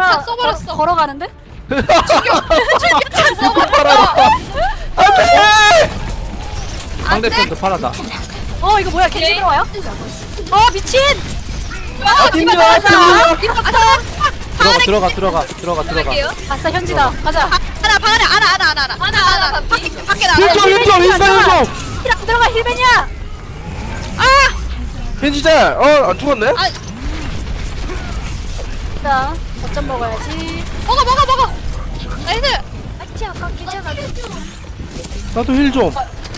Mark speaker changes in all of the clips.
Speaker 1: 다 써버렸어.
Speaker 2: 걸어가는데?
Speaker 3: 안돼.
Speaker 4: 상대편도 팔아다.
Speaker 2: 이거 뭐야? 겐지 들어와요? 미친!
Speaker 3: 힘들어.
Speaker 4: 들어가.
Speaker 1: 갈게요.
Speaker 2: 아싸 현지다. 가자.
Speaker 1: 하나 밖에 나가.
Speaker 3: 일점 인사 일점.
Speaker 2: 힐안 들어가 힐벤이야.
Speaker 3: 겐지잘. 안 죽었네.
Speaker 2: 자, 거점 먹어야지.
Speaker 1: 먹어. 나이스.
Speaker 3: 나도 힐 좀.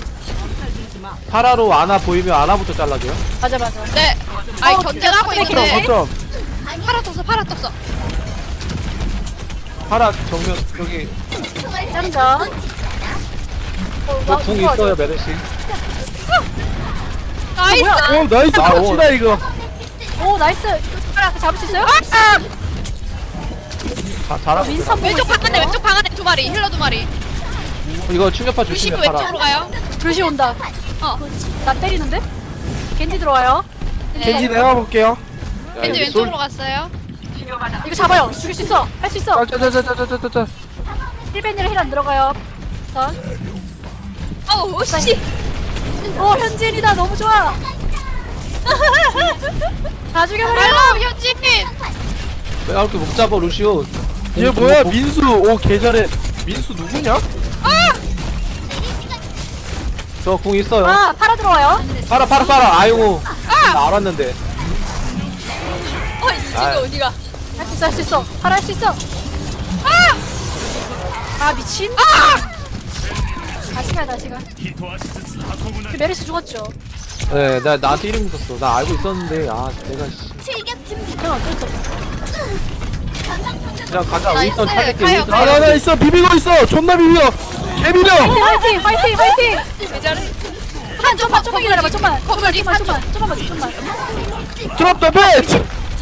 Speaker 4: 파라로 아나 보이면 아나부터 잘라줘요.
Speaker 2: 맞아.
Speaker 1: 네. 견제하고 있는데.
Speaker 3: 거점.
Speaker 1: 팔아 떴어.
Speaker 4: 파라 정면 여기
Speaker 2: 짱자.
Speaker 4: 궁 있어요 메르시.
Speaker 1: 나이스.
Speaker 3: 나이스 같이다 이거.
Speaker 2: 오 나이스. 잡을 수 있어요?
Speaker 4: 잘하고.
Speaker 2: 민선
Speaker 1: 왼쪽 방 안에 두 마리. 힐러 두 마리.
Speaker 4: 이거 충격파
Speaker 1: 루시도
Speaker 4: 조심해 파라.
Speaker 1: 왼쪽으로 가요.
Speaker 2: 루시 온다. 나 때리는데? 겐지 들어와요.
Speaker 3: 겐지 내가 볼게요.
Speaker 1: 겐지 왼쪽으로 갔어요.
Speaker 2: 이거 잡아요. 죽일 수 있어. 할 수 있어.
Speaker 3: 짜짜짜짜짜짜짜.
Speaker 2: 힐벤이랑 힐 안 들어가요. 자.
Speaker 1: 씨.
Speaker 2: 현진이다. 너무 좋아. 다 죽여버려.
Speaker 1: 현진.
Speaker 4: 왜 이렇게 목 잡아 루시오.
Speaker 3: 얘 뭐야 민수. 오 개잘해. 민수 누구냐?
Speaker 4: 저 궁 있어요.
Speaker 2: 팔아 들어와요.
Speaker 4: 파라. 아이고. 나 알았는데.
Speaker 1: 이거 어디가?
Speaker 2: 할 수 있어. 팔아 할 수 있어. 미친. 다시 가. 그 메르시 죽었죠.
Speaker 4: 네, 나한테 이름 묻었어. 나 알고 있었는데 내가
Speaker 2: 그럼 어쩔 수 없어.
Speaker 4: 그냥 가자.
Speaker 1: 나이스.
Speaker 4: 윈스턴 찾을게.
Speaker 1: 가요,
Speaker 4: 윈스턴.
Speaker 1: 가요.
Speaker 3: 나 있어. 비비고 있어. 존나 비벼. 개비벼.
Speaker 2: 파이팅.
Speaker 1: 왜 저래?
Speaker 2: 좀만 기다려봐. 좀만. 좀만.
Speaker 3: 드롭 더 배치.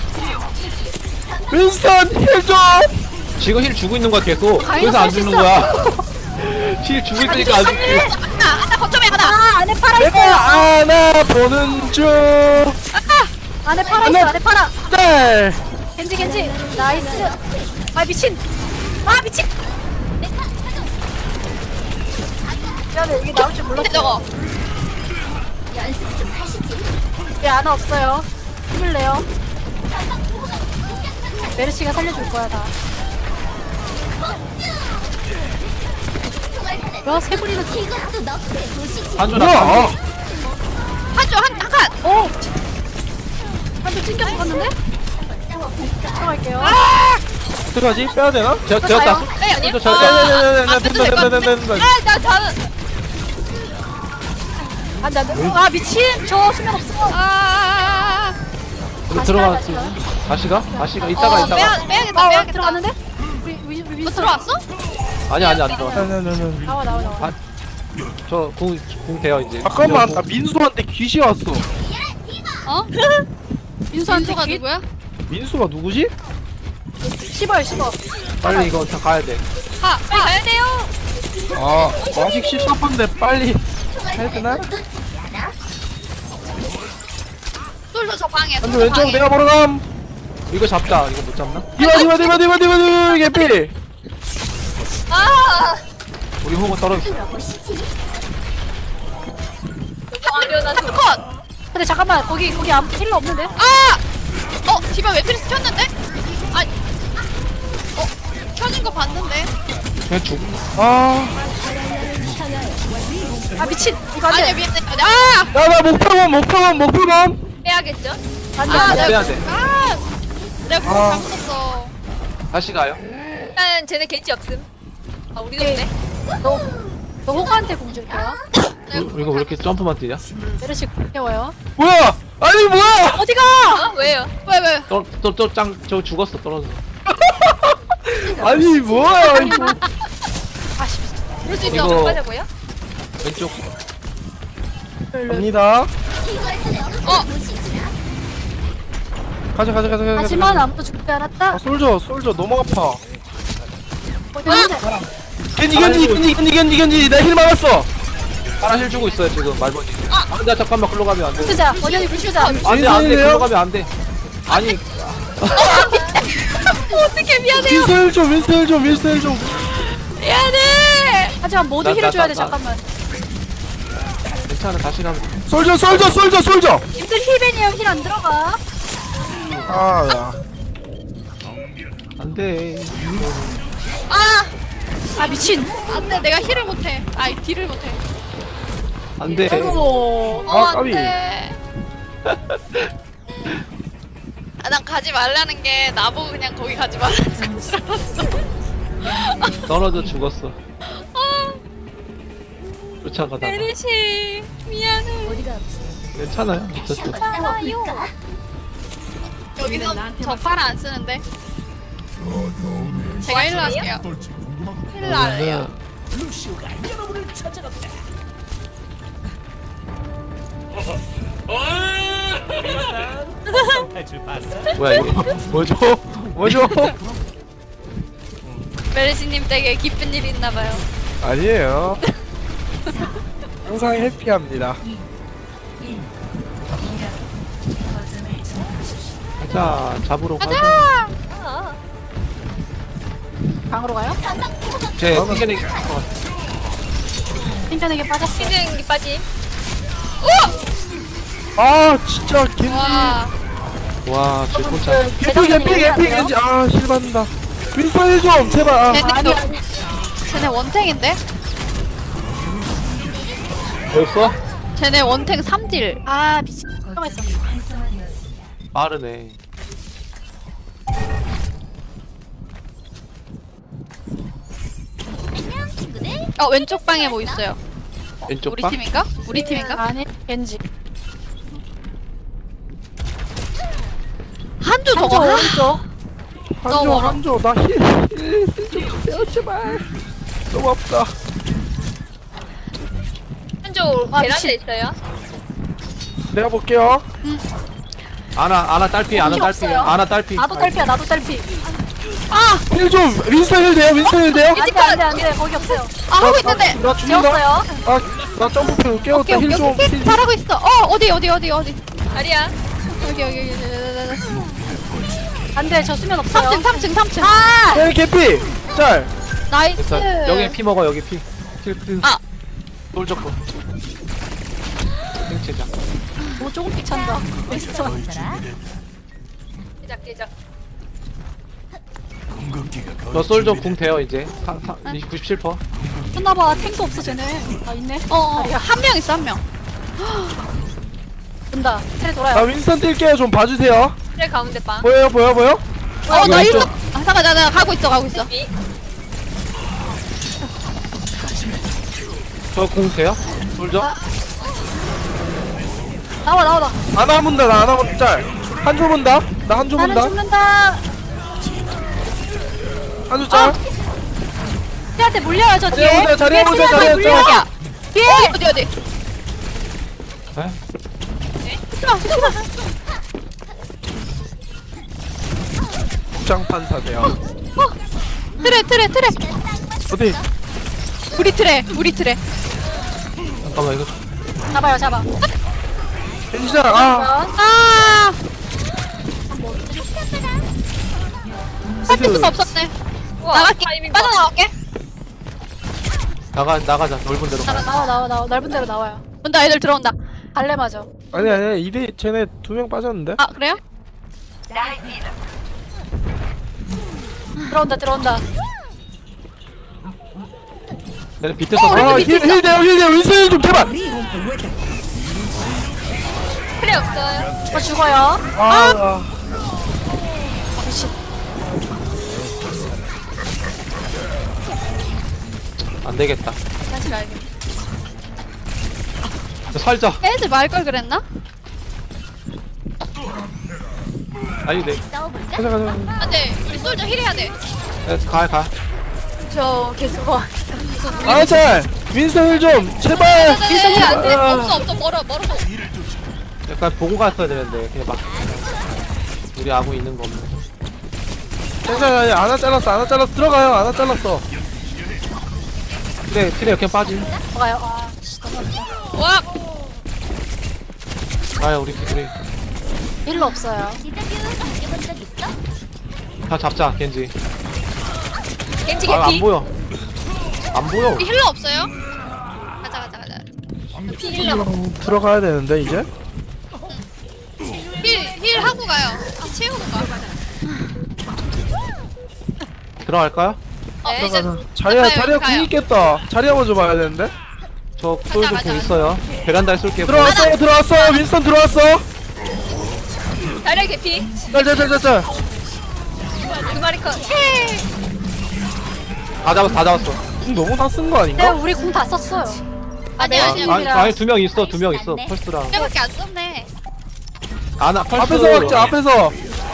Speaker 3: 윈스턴 힐 좀.
Speaker 4: 지금 힐 주고 있는 거야 계속.
Speaker 2: 가이너
Speaker 4: 그래서 안
Speaker 2: 쌀수
Speaker 4: 주는
Speaker 2: 있어.
Speaker 4: 거야. 힐 주고 있으니까 안 죽지.
Speaker 1: 하나 거점에 하나.
Speaker 2: 안에 팔아
Speaker 3: 내가
Speaker 2: 있어요.
Speaker 3: 안아 보는 중.
Speaker 2: 안에 팔아 있어. 안에 팔아.
Speaker 3: 네.
Speaker 2: 겐지. 나이스. 미친. 미친. 미안해. 이게 나올 줄 몰랐어.
Speaker 1: 저거.
Speaker 2: 왜 아나 없어요? 힘을 내요. 메르시가 살려줄 거야 다. 세 분이나
Speaker 4: 한줄
Speaker 3: 뭐야?
Speaker 1: 한 칸.
Speaker 2: 오! 한대 찡겨 죽었는데? 들어갈게요.
Speaker 3: 어떡하지? 빼야 되나?
Speaker 4: 되었다.
Speaker 1: 네 아니야?
Speaker 4: 저
Speaker 1: 안 돼도 될것 같은데? 나 저는.
Speaker 2: 안 돼. 미친! 저 수면 없어.
Speaker 4: 우리 들어갔어. 다시 가. 이따가.
Speaker 1: 빼야겠다.
Speaker 2: 들어갔는데? 우리
Speaker 1: 너
Speaker 2: 민서
Speaker 1: 들어왔어?
Speaker 4: 아니 안 들어가.
Speaker 2: 나와.
Speaker 4: 저궁 돼요 이제.
Speaker 3: 잠깐만. 나 민수한테 귀시 왔어.
Speaker 2: 민수한테
Speaker 1: 민수가
Speaker 2: 기
Speaker 1: 누구야?
Speaker 3: 민수가 누구지?
Speaker 2: 씹어요.
Speaker 4: 빨리 이거 다 가야 돼.
Speaker 1: 빨리 가야 돼요.
Speaker 3: 아직 14분인데 빨리 해야 되나?
Speaker 1: 솔저 저 방에.
Speaker 3: 근데 왼쪽 내가 보러 감.
Speaker 4: 이거 잡자. 이거 못 잡나?
Speaker 3: 디바 개피.
Speaker 4: 우리 호구 떨어졌어.
Speaker 1: 컷.
Speaker 2: 근데 잠깐만 거기 아무 힐러 없는데?
Speaker 1: 디바 웨트리스 켰는데? 켜진 거 봤는데?
Speaker 4: 그냥 죽.
Speaker 2: 미친! 이거
Speaker 1: 아니야
Speaker 2: 안돼!
Speaker 1: 미안해.
Speaker 3: 야나 목표범.
Speaker 1: 빼야겠죠?
Speaker 2: 안돼
Speaker 4: 빼야 돼.
Speaker 1: 내가 그거 잘못했어.
Speaker 4: 다시 가요.
Speaker 1: 일단 쟤네 겐지 없음. 우리도
Speaker 2: 오케이.
Speaker 1: 없네.
Speaker 2: 너 호가한테 공줄게요.
Speaker 4: 이거 왜 이렇게 점프만 뛰냐?
Speaker 2: 메르시 깨워요.
Speaker 3: 뭐야? 아니 뭐야?
Speaker 2: 어디가!
Speaker 1: 왜요? 왜?
Speaker 4: 저 죽었어 떨어져.
Speaker 3: 아니 뭐야 이거?
Speaker 2: 아씨
Speaker 1: 그럴 수
Speaker 4: 이거-
Speaker 1: 있어. 빠져고요?
Speaker 4: 왼쪽.
Speaker 3: 갑니다. 가자.
Speaker 2: 하지만 아무도 죽지 않았다.
Speaker 3: 솔저 너무 아파.
Speaker 2: 어디인데?
Speaker 3: 겐지 나 힐 막았어.
Speaker 4: 파라 힐 주고 있어요 지금 말벌이. 안돼 잠깐만 글로 가면 안 돼.
Speaker 2: 쓰자. 원현이 불 쓰자.
Speaker 4: 안돼
Speaker 3: 인생이네요?
Speaker 4: 글로 가면 안 돼. 아니
Speaker 1: 어떻게 미안해요.
Speaker 3: 윈스 힐 좀.
Speaker 1: 미안해.
Speaker 2: 하지만 모두 힐을 줘야 돼.
Speaker 4: 나.
Speaker 2: 잠깐만.
Speaker 4: 괜찮아 다시 가면
Speaker 3: 솔져.
Speaker 2: 님들 힐벤이에요. 힐 안 들어가.
Speaker 3: 아, 야.
Speaker 4: 안돼
Speaker 2: 아 미친.
Speaker 1: 안돼 내가 힐을 못해. 아이 딜을 못해.
Speaker 4: 안돼
Speaker 2: 아이고.
Speaker 3: 아, 까비.
Speaker 1: 안돼. 난 가지 말라는 게 나보고 그냥 거기 가지 말라는 거.
Speaker 4: 떨어져 죽었어 쫓아가다가
Speaker 1: 메르시 미안해.
Speaker 4: 괜찮아요 어쨌든
Speaker 1: 여기서 저 파라 안 쓰는데. 제가 힐러 할게요. 힐러 할래요.
Speaker 4: 뭐야 이게 뭐죠
Speaker 1: 메르시님 댁에 기쁜 일이 있나봐요.
Speaker 3: 아니에요. 항상 해피합니다.
Speaker 4: 가자 잡으러 가자
Speaker 1: 가자.
Speaker 2: 방으로 가요?
Speaker 4: 제 튕겨내기
Speaker 2: 땡겨내게 빠졌어.
Speaker 1: 시즌이 빠짐.
Speaker 3: 아, 진짜 겐지.
Speaker 4: 와 질풍차
Speaker 3: 개피. 아, 실받는다. 윈스 힐 좀, 제발. 아.
Speaker 1: 쟤네 원탱인데?
Speaker 4: 벌써?
Speaker 1: 쟤네 원탱 3딜.
Speaker 2: 아 미친. 잠깐만 있어.
Speaker 4: 빠르네
Speaker 1: 왼쪽 방에 뭐 있어요?
Speaker 4: 왼쪽
Speaker 1: 우리
Speaker 4: 방?
Speaker 1: 팀인가? 우리 팀인가?
Speaker 2: 아니 겐지.
Speaker 1: 한조
Speaker 2: 한쪽
Speaker 1: 저거.
Speaker 2: 오른쪽.
Speaker 3: 한조, 나 힐 좀 주세요, 제발. 너무 아프다.
Speaker 1: 한조
Speaker 2: 아,
Speaker 1: 베란다에
Speaker 2: 미친.
Speaker 1: 있어요.
Speaker 3: 내가 볼게요.
Speaker 4: 아나 딸피 아나
Speaker 2: 힘
Speaker 4: 딸피
Speaker 2: 없어요.
Speaker 4: 아나 딸피
Speaker 2: 나도 딸피야. 나도 딸피.
Speaker 3: 힐 좀, 윈스 힐 돼요?
Speaker 2: 안돼 거기 없어요.
Speaker 1: 하고 있는데.
Speaker 3: 나 죽는다.
Speaker 2: 지웠어요.
Speaker 3: 아, 나 점프표 깨웠다. 힐 좀. 힐.
Speaker 1: 잘하고 있어. 어디. 아리야. 여기.
Speaker 2: 안돼 저 수면 없어요.
Speaker 1: 3층.
Speaker 3: 네, 개피. 짤.
Speaker 1: 나이스.
Speaker 4: 됐어 여기 피 먹어 여기 피
Speaker 1: 아.
Speaker 4: 돌적고 생체장
Speaker 2: 오 조금 귀찮다. 있어.
Speaker 1: 깨작.
Speaker 4: 저 솔저 궁 돼요 이제 97%.
Speaker 2: 끝나봐. 탱도 없어 쟤네. 아 있네.
Speaker 1: 한 명 있어 한 명.
Speaker 2: 된다. 테레
Speaker 3: 나
Speaker 2: 돌아요.
Speaker 3: 윈스턴 뛸게요. 좀 봐주세요.
Speaker 1: 그래 가운데 방.
Speaker 3: 보여요?
Speaker 1: 나
Speaker 4: 왼쪽.
Speaker 1: 일로. 잠깐 나 가고 있어.
Speaker 4: 저 궁 돼요? 솔저?
Speaker 2: 나와.
Speaker 3: 안 문다. 나 안 문다. 짤. 한조 문다. 나 한조
Speaker 2: 나는
Speaker 3: 문다.
Speaker 2: 죽는다.
Speaker 3: 한조 짤.
Speaker 2: 테한테 물려요 저 뒤에.
Speaker 3: 자리해보자, 자리해보자,
Speaker 2: 뒤에 테한테
Speaker 3: 자리해보자.
Speaker 2: 물려.
Speaker 1: 야.
Speaker 2: 뒤에.
Speaker 1: 어디.
Speaker 4: 네?
Speaker 3: 국장판사세요.
Speaker 1: 트레.
Speaker 3: 어디?
Speaker 1: 우리 트레.
Speaker 4: 잠깐만 이거
Speaker 2: 잡아.
Speaker 3: 겐지장. 아.
Speaker 1: 아. 살필 수가 없었네. 나갈게. 빠져나갈게.
Speaker 4: 나가자 넓은 데로 가야
Speaker 2: 나와. 넓은 데로 나와요.
Speaker 1: 온다. 애들 들어온다.
Speaker 2: 갈래 맞아.
Speaker 3: 아니. 이리 쟤네 2명 빠졌는데?
Speaker 1: 아 그래요?
Speaker 2: 들어온다.
Speaker 4: 내가 비트서
Speaker 3: 아, 힐 돼요. 윈스 힐좀 제발.
Speaker 1: 트레 없어요.
Speaker 2: 저 죽어요.
Speaker 3: 아.
Speaker 2: 미친.
Speaker 4: 안 되겠다
Speaker 1: 다시 가야겠다.
Speaker 4: 살자
Speaker 1: 애들 말 걸 그랬나?
Speaker 4: 아니 네
Speaker 3: 가자.
Speaker 1: 안돼. 우리 솔저 힐해야 돼.
Speaker 4: 가
Speaker 2: 저 계속 와.
Speaker 3: 아, 짤. 윈스 힐좀 제발.
Speaker 1: 힐 안돼.
Speaker 3: 아.
Speaker 1: 없어. 멀어서.
Speaker 4: 약간 보고 갔어야 되는데 그냥 막 우리 아무 있는 거 없네
Speaker 3: 괜찮아. 하나 잘랐어. 들어가요. 하나 잘랐어.
Speaker 4: 트레 그냥 빠짐
Speaker 2: 가요. 아, 씨, 너무 아프다.
Speaker 1: 와.
Speaker 4: 가야 우리
Speaker 2: 일로 없어요.
Speaker 4: 자 잡자 겐지.
Speaker 2: 겐지
Speaker 4: 아 안
Speaker 2: 개피.
Speaker 4: 보여. 안 보여.
Speaker 1: 우리 힐러 없어요? 가자.
Speaker 2: 피 힐러.
Speaker 3: 들어가야 되는데 이제.
Speaker 1: 힐 하고 가요. 채우고 가.
Speaker 4: 들어갈까요?
Speaker 1: 이제
Speaker 3: 들어가자. 자리야
Speaker 1: 가요,
Speaker 3: 자리야
Speaker 1: 가요.
Speaker 3: 궁 있겠다. 자리야 먼저 봐야 되는데.
Speaker 4: 저 솔저
Speaker 1: 가자.
Speaker 4: 공 있어요. 베란다에 쏠게요.
Speaker 3: 들어왔어. 윈스턴 들어왔어.
Speaker 2: 다리야 개피.
Speaker 3: 짤짤짤짤짤.
Speaker 2: 두 마리 컷.
Speaker 4: 다 잡았어.
Speaker 3: 궁 너무 다 쓴 거
Speaker 2: 네,
Speaker 3: 아닌가?
Speaker 2: 우리 궁 다 썼어요.
Speaker 1: 아니
Speaker 4: 아니 2명 있어. 2명 있어. 펄스랑.
Speaker 1: 밖에 안 썼네.
Speaker 4: 아나 펄스.
Speaker 3: 앞에서 막자 앞에서.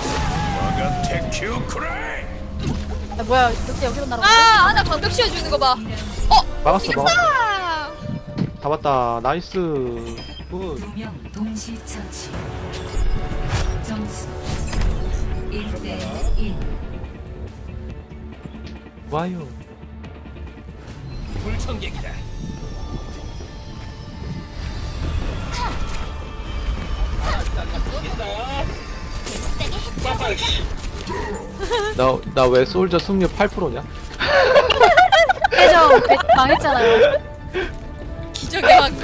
Speaker 2: 아, 뭐야? 그때 여기로 날아. 아, 나 방벽 씌워주는 거 봐.
Speaker 4: 막았어.
Speaker 1: 아,
Speaker 4: 잡았다. 나이스. 굿.
Speaker 5: 두명 동시 처치. 점수 1대1.
Speaker 4: 와요. 나 왜 솔저 승률 8%냐?
Speaker 2: 해적 망했잖아요.
Speaker 1: 기적의 막.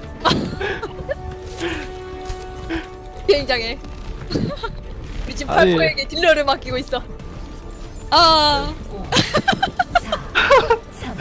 Speaker 2: 비행장에. 우리 지금
Speaker 4: 아니.
Speaker 2: 팔포에게 딜러를 맡기고 있어.
Speaker 1: 아,
Speaker 5: 3,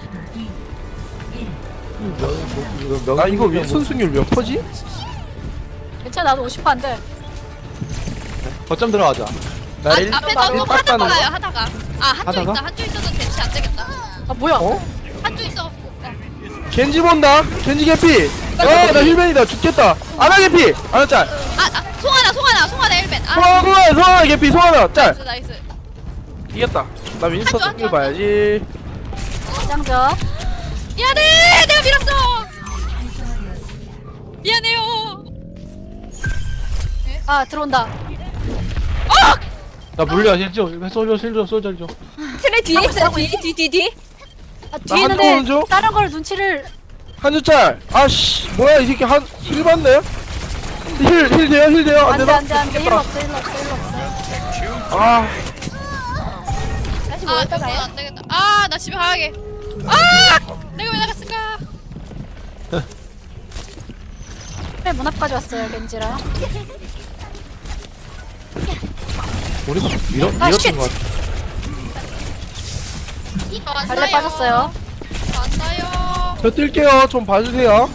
Speaker 5: 2,
Speaker 3: 나 이거 윈스턴 승률 몇 퍼지?
Speaker 2: 괜찮아, 나도 50%인데.
Speaker 4: 거점 들어가자.
Speaker 3: 나 일-
Speaker 1: 앞에서 좀
Speaker 3: 딱
Speaker 1: 하다가
Speaker 3: 가는 거?
Speaker 1: 가요. 하다가. 아, 한쪽
Speaker 4: 하다가?
Speaker 1: 있다. 한쪽 있어도 대체 안 되겠다.
Speaker 2: 아, 뭐야?
Speaker 3: 어?
Speaker 1: 한쪽 있어.
Speaker 3: 겐지 본다. 겐지 개피. 나 힐맨이다. 죽겠다. 아나 개피. 아나 짤.
Speaker 1: 송하나 1벤. 아,
Speaker 3: 송하나 개피. 송하나 짤.
Speaker 1: 나이스.
Speaker 3: 이겼다. 나 윈스턴
Speaker 1: 한쪽,
Speaker 3: 승률
Speaker 1: 한쪽,
Speaker 3: 봐야지.
Speaker 2: 짱전.
Speaker 1: 미안해, 내가 밀었어. 미안해요.
Speaker 2: 아, 들어온다.
Speaker 4: 나 물려. 실죠. 솔저.
Speaker 2: 트레 뒤에 있어. 뒤. 아, 뒤에
Speaker 3: 한쪽
Speaker 2: 있는데
Speaker 3: 오른쪽?
Speaker 2: 다른 걸 눈치를.
Speaker 3: 한줄 짤. 아씨. 뭐야 이 새끼 힐 받네. 힐 돼요. 안
Speaker 2: 안돼
Speaker 3: 되나?
Speaker 2: 안돼 힐 없어.
Speaker 3: 아.
Speaker 2: 다시
Speaker 1: 아,
Speaker 2: 모였다
Speaker 1: 이거
Speaker 2: 가요.
Speaker 1: 안 되겠다. 아, 나 집에 가야게. 아, 내가 왜 나갔을까?
Speaker 2: 그래 문 앞까지 왔어요 겐지랑.
Speaker 4: 우리가
Speaker 2: 아, 쉣.
Speaker 4: 밀었던 것 같아.
Speaker 2: 발레 빠졌어요.
Speaker 1: 왔어요.
Speaker 3: 저 뛸게요. 좀 봐주세요.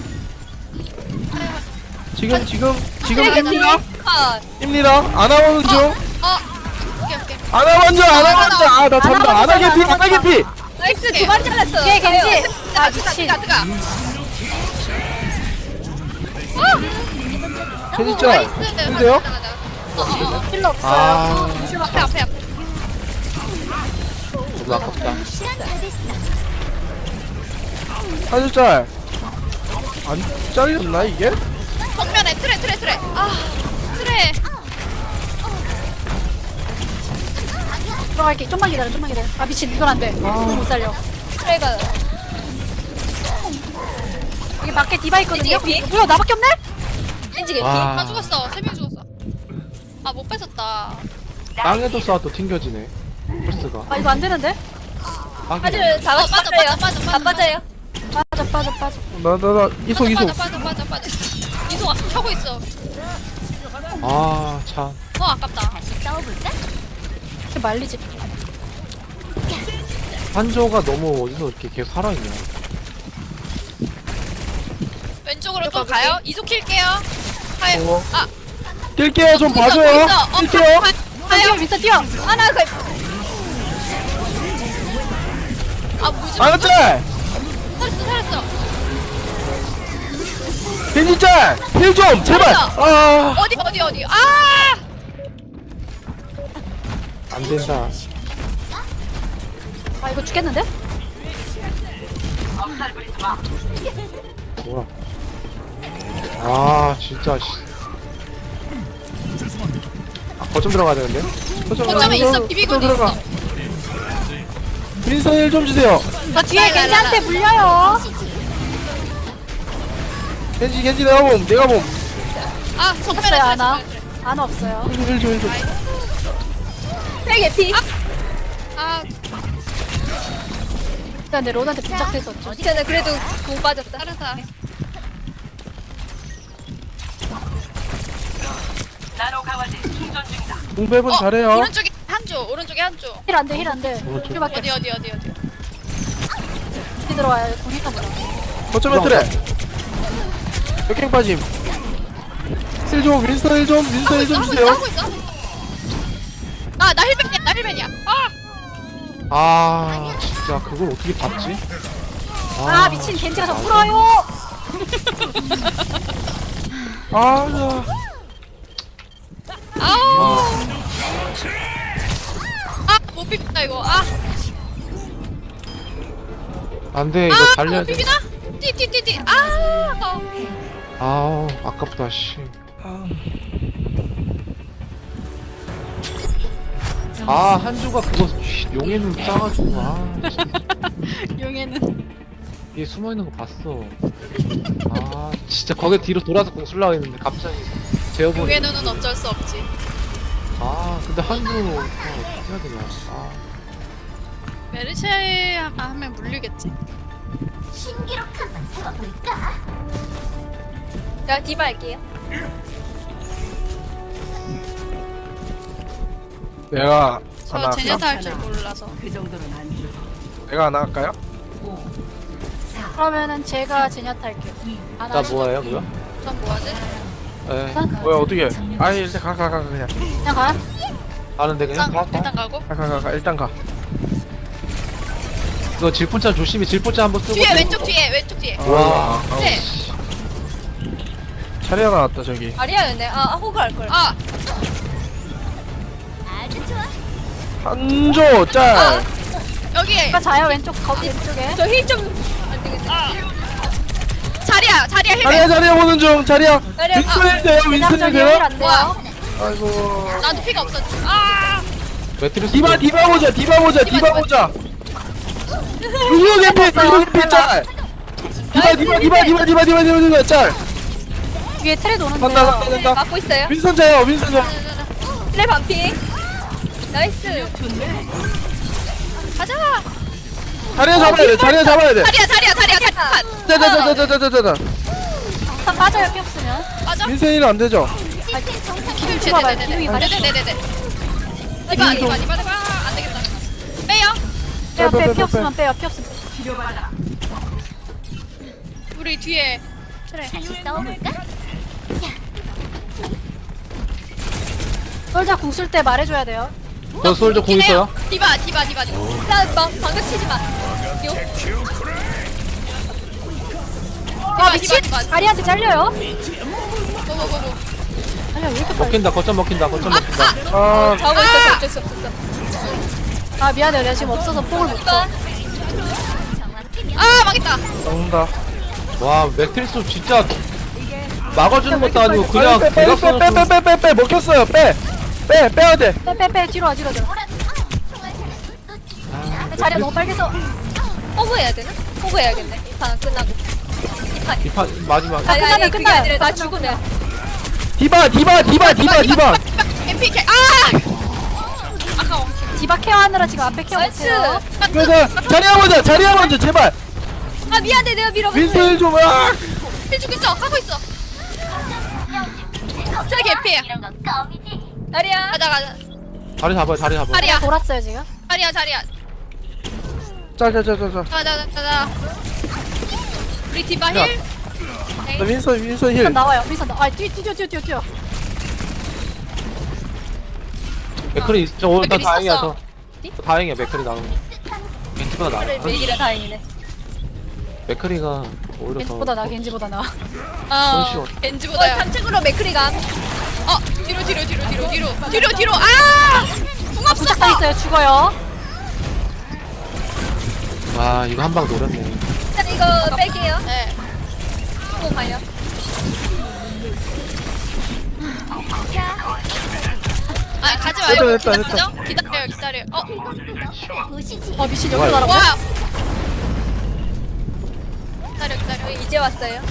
Speaker 3: 지금 입니다. 입니다. 아나 오는 중.
Speaker 1: 오케이.
Speaker 3: 아나 먼저. 아, 나 잔다. 아나 개피.
Speaker 2: 나이스 두 마리 잘랐어. 뒤에 겐지. 아 미친.
Speaker 1: 뜨가.
Speaker 3: 겐지 짤. 근데요?
Speaker 2: 힐러 없어요.
Speaker 4: 아,
Speaker 1: 앞에.
Speaker 4: 너무 아깝다.
Speaker 3: 한줄 짤. 안 잘렸나 이게?
Speaker 1: 정면에 트레. 아, 트레.
Speaker 2: 들어갈게. 좀만 기다려. 아 미친 이건 안 돼. 못 살려. 트레가. 여기 밖에 디바 있거든요. 뭐야 나밖에 없네? 겐지 개피.
Speaker 4: 와.
Speaker 1: 다 죽었어. 3명 죽었어. 아, 못 뺏었다.
Speaker 4: 땅에도 쏴도 튕겨지네. 펄스가.
Speaker 2: 아 이거 안 되는데?
Speaker 4: 하긴.
Speaker 1: 다 빠져.
Speaker 2: 다 빠져요. 빠져.
Speaker 3: 나 이속.
Speaker 1: 빠져. 이속 하고 있어.
Speaker 4: 아, 참.
Speaker 1: 아깝다.
Speaker 2: 이렇게 말리지.
Speaker 4: 한조가 너무 어디서 이렇게 계속 살아있냐.
Speaker 1: 왼쪽으로 또 가요. 이속 킬게요. 가요.
Speaker 3: 어.
Speaker 1: 아,
Speaker 3: 뛸게요. 좀
Speaker 1: 있어,
Speaker 3: 봐줘요.
Speaker 1: 있어.
Speaker 3: 뛸게요.
Speaker 2: 뛰어 미스터 뛰어. 하나 그.
Speaker 1: 아, 무지.
Speaker 3: 아나 짤.
Speaker 1: 살았어.
Speaker 3: 겐지 짤. 힐 좀 제발. 아.
Speaker 1: 어디. 아!
Speaker 4: 안 된다.
Speaker 2: 아 이거 죽겠는데?
Speaker 4: 뭐야. 아, 진짜, 씨. 아, 거점 들어가야 되는데?
Speaker 1: 거점에 있어. 비비고 있어.
Speaker 3: 윈스턴 힐좀 주세요.
Speaker 2: 저 뒤에 겐지한테 물려요.
Speaker 3: 겐지 내가 봄.
Speaker 1: 아, 정면에
Speaker 2: 없어요 하나. 하나 없어요.
Speaker 3: 힐 좀.
Speaker 2: 개피.
Speaker 1: 아
Speaker 2: 일단 내 론한테 부착돼서 어쩌
Speaker 6: 저는 그래도 공 빠졌다.
Speaker 1: 다른 사람.
Speaker 3: 공배분 잘해요.
Speaker 1: 오른쪽에 한조 오른쪽에 한조.
Speaker 2: 힐 안돼 힐 안돼.
Speaker 4: 오른쪽.
Speaker 2: 힐밖에
Speaker 1: 어디.
Speaker 2: 힐 들어와요. 공힐까 보다.
Speaker 3: 거점에 트레. 역행 빠짐. 윈스턴 힐 좀 주세요.
Speaker 1: 하고 있어. 나 힐벤이야.
Speaker 4: 아 진짜 그걸 어떻게 봤지?
Speaker 2: 아 미친 겐지가 저 풀어요.
Speaker 3: 아,
Speaker 1: 아우. 못 비빈다 이거.
Speaker 4: 안돼 이거 달려야
Speaker 1: 못
Speaker 4: 돼.
Speaker 1: 비비나? 띠.
Speaker 4: 아우 아깝다 씨. 아 한주가 그거 용의 눈 싸가지고 진짜.
Speaker 2: 용에는
Speaker 4: 얘 숨어있는 거 봤어. 아 진짜 거기 뒤로 돌아서 공 쓰려고 했는데 갑자기 재워버리고.
Speaker 1: 용의 눈은 어쩔 수 없지.
Speaker 4: 아 근데 한주 어떻게 해야 되냐. 아
Speaker 1: 메르쉐 하면 물리겠지.
Speaker 6: 제가 디바 할게요.
Speaker 3: 내가
Speaker 1: 저
Speaker 3: 하나
Speaker 1: 제냐타
Speaker 3: 할까?
Speaker 1: 할 줄 몰라서.
Speaker 3: 내가 하나 할까요?
Speaker 2: 그러면은 제가 제냐타 할게요.
Speaker 4: 나 뭐예요 그거?
Speaker 1: 전 뭐하지?
Speaker 4: 에
Speaker 3: 뭐야 어떻게? 아니 일단 가 그냥
Speaker 2: 그냥 가.
Speaker 4: 가는데 그냥 가.
Speaker 1: 일단 가고.
Speaker 3: 가 일단 가.
Speaker 4: 이거 질포차 조심히 질포차 한번 쓰고.
Speaker 1: 뒤에 왼쪽 뒤에.
Speaker 4: 와.
Speaker 1: 네.
Speaker 3: 차례가 나왔다 저기.
Speaker 6: 아리아였네. 호그 할 걸.
Speaker 3: 한조 짤.
Speaker 1: 여기에
Speaker 2: 제가 자요 왼쪽 거기 왼쪽에.
Speaker 6: 저 힐 좀 안 되겠다.
Speaker 1: 자리야 힐벤.
Speaker 3: 자리야 보는 중 자리야.
Speaker 6: 자리야.
Speaker 3: 윈스턴 힐 돼요? 윈스턴 힐
Speaker 2: 저기
Speaker 3: 돼요?
Speaker 2: 힐안 돼요.
Speaker 1: 뭐야?
Speaker 3: 아이고.
Speaker 1: 나도 피가 없어.
Speaker 4: 매트리스.
Speaker 3: 디바 보자. 유효 개피 짤. 디바 짤.
Speaker 2: 위에 트레도 오는데요.
Speaker 3: 간다.
Speaker 6: 막고 있어요.
Speaker 3: 윈스턴 자요.
Speaker 6: 플레 반피. 나이스.
Speaker 1: 가자.
Speaker 3: 자리야 잡아야 돼.
Speaker 1: 자리야.
Speaker 3: 자자자자자자자.
Speaker 2: 다 빠져요 피 없으면.
Speaker 1: 맞아.
Speaker 3: 윈스턴 힐안 되죠?
Speaker 2: 기둥 찍어봐요. 기둥이 가려.
Speaker 1: 네네네. 이봐. 안 되겠다. 빼요.
Speaker 2: 빼요 피 없으면 빼요 피 없으면.
Speaker 1: 우리 뒤에. 그래.
Speaker 2: 솔자 궁쓸 때 말해줘야 돼요.
Speaker 4: 저 솔저 공 있어요?
Speaker 1: 디바.
Speaker 6: 방금 치지 마.
Speaker 2: 아 미친.
Speaker 1: 디바.
Speaker 2: 아리한테 잘려요.
Speaker 1: 고고고고.
Speaker 2: 아니야 왜 이렇게 빨리.
Speaker 4: 먹힌다 거점 먹힌다.
Speaker 3: 아
Speaker 6: 자고 있어서 어쩔 수 없었어.
Speaker 2: 아 미안해 내가 지금 없어서 폭을 못 쳐.
Speaker 1: 망했다.
Speaker 3: 나온다.
Speaker 4: 와 매트리스 진짜 막아주는 것도 아니고 그냥 대각선으로
Speaker 3: 빼 먹혔어요. 빼야 돼.
Speaker 2: 빼 뒤로 와 뒤로. 자리가 너무 빨개서.
Speaker 6: 호그 해야 되나? 호그 해야겠네. 이 판 끝나고.
Speaker 4: 이판 마지막.
Speaker 2: 끝나면
Speaker 6: 그게
Speaker 2: 끝나요.
Speaker 6: 아니라 나 죽으면.
Speaker 3: 디바.
Speaker 1: MP 아까워.
Speaker 2: 디바 케어하느라 지금 앞에 케어
Speaker 6: 나이스.
Speaker 2: 못해요.
Speaker 3: 그래서 자리야 먼저 제발.
Speaker 6: 미안해 내가 밀어봤어.
Speaker 3: 윈스턴 힐 좀.
Speaker 1: 해주고 있어. 하고 있어. 저기 개피해.
Speaker 6: 아리아.
Speaker 1: 가자.
Speaker 4: 자리 잡아요
Speaker 1: 자리야.
Speaker 2: 돌았어요 지금.
Speaker 1: 자리야.
Speaker 3: 자.
Speaker 1: 가자. 우리 디바
Speaker 4: 야.
Speaker 1: 힐.
Speaker 3: 나 윈스턴 힐.
Speaker 2: 윈선 나와요. 윈선 나. 아 뛰어.
Speaker 4: 맥클이 저 오늘
Speaker 1: 맥클이
Speaker 4: 다행이야
Speaker 1: 있었어.
Speaker 4: 저 다행이야 맥클이 나오는 거. 겐지보다 나아.
Speaker 6: 메이기라 다행이네.
Speaker 4: 맥클이가 오히려 더.
Speaker 2: 겐지보다 나 겐지보다 나.
Speaker 4: 손쉬워.
Speaker 1: 겐지보다야.
Speaker 6: 3층으로 맥크리가.
Speaker 1: 뒤로. 공 없어.
Speaker 2: 부착당 있어요. 죽어요.
Speaker 4: 와 이거 한 방 노렸네.
Speaker 6: 일단 이거 뺄게요.
Speaker 1: 네.
Speaker 6: 공 가요.
Speaker 1: 가지 마요.
Speaker 3: 됐다.
Speaker 1: 기다려.
Speaker 2: 아 미친
Speaker 4: 뭐야,
Speaker 2: 여기로 날아가.
Speaker 1: 와. 기다려.
Speaker 6: 이제 왔어요.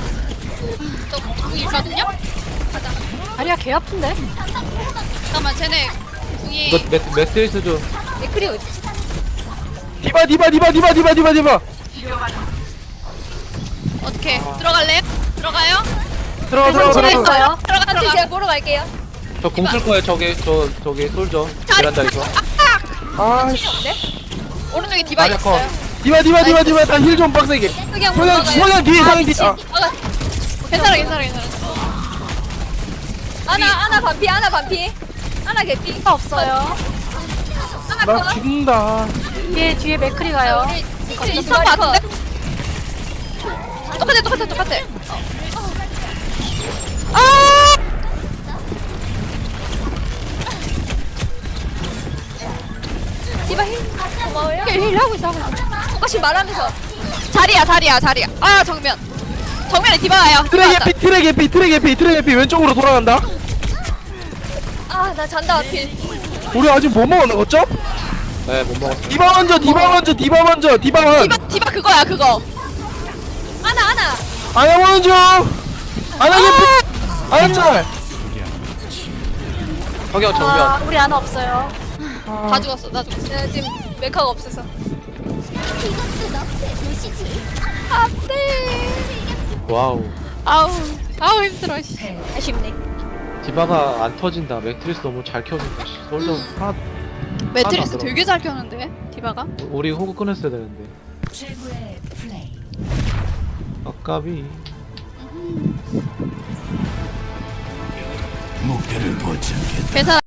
Speaker 1: 저 있거든요. 가자.
Speaker 2: 다리가 개 아픈데.
Speaker 1: 잠깐만 쟤네 궁이
Speaker 4: 이거 매트리스 좀.
Speaker 6: 맥크리 어디?
Speaker 3: 디바.
Speaker 1: 어떻게 들어갈래요? 들어가요?
Speaker 3: 들어가.
Speaker 2: 있어요.
Speaker 6: 같이 제가 보러 갈게요.
Speaker 4: 저 공 쓸 거예요. 저기 솔져.
Speaker 1: 자리
Speaker 4: 베란다에서.
Speaker 3: 아씨.
Speaker 1: 오른쪽에 디바
Speaker 4: 자리야, 컷.
Speaker 1: 있어요.
Speaker 3: 디바. 다 힐 좀 빡세게.
Speaker 6: 그냥 보러 가요.
Speaker 3: 소양 뒤에 상인 뒤. 아.
Speaker 1: 괜찮아.
Speaker 6: 아나 반피. 아나 개피.
Speaker 2: 없어요.
Speaker 6: 아나
Speaker 3: 나
Speaker 6: 컷.
Speaker 3: 죽는다.
Speaker 2: 뒤에 맥크리 가요.
Speaker 6: 우리
Speaker 1: 비슷한 거 같은데? 똑같아.
Speaker 6: 디바 힐 고마워요.
Speaker 1: 힐 하고 있어.
Speaker 6: 똑같이 말하면서.
Speaker 1: 자리야. 아 정면에 디바 와요.
Speaker 3: 트랙 개피 왼쪽으로 돌아간다.
Speaker 6: 아 나 잔다 하필.
Speaker 3: 우리 아직 뭐 먹었나 거죠?
Speaker 4: 네, 못 먹었어.
Speaker 3: 디바 먼저.
Speaker 1: 디바 그거야 그거.
Speaker 6: 아나.
Speaker 3: 아야 먼저. 아야 개피. 아야 짤.
Speaker 4: 성경 정면.
Speaker 2: 아, 우리 하나 없어요.
Speaker 1: 다 죽었어. 나 죽었어.
Speaker 6: 내가 지금 메카가 없어서.
Speaker 4: 와우.
Speaker 1: 아우 힘들어. 씨.
Speaker 6: 아쉽네.
Speaker 4: 디바가 안 터진다. 매트리스 너무 잘 켜진다. 씨. 솔져. 하나.
Speaker 1: 매트리스
Speaker 4: 들어.
Speaker 1: 되게 잘 켜는데 디바가.
Speaker 4: 우리 호구 끊었어야 되는데.
Speaker 5: 최고의 플레이.
Speaker 4: 아까비.
Speaker 1: 괜찮아.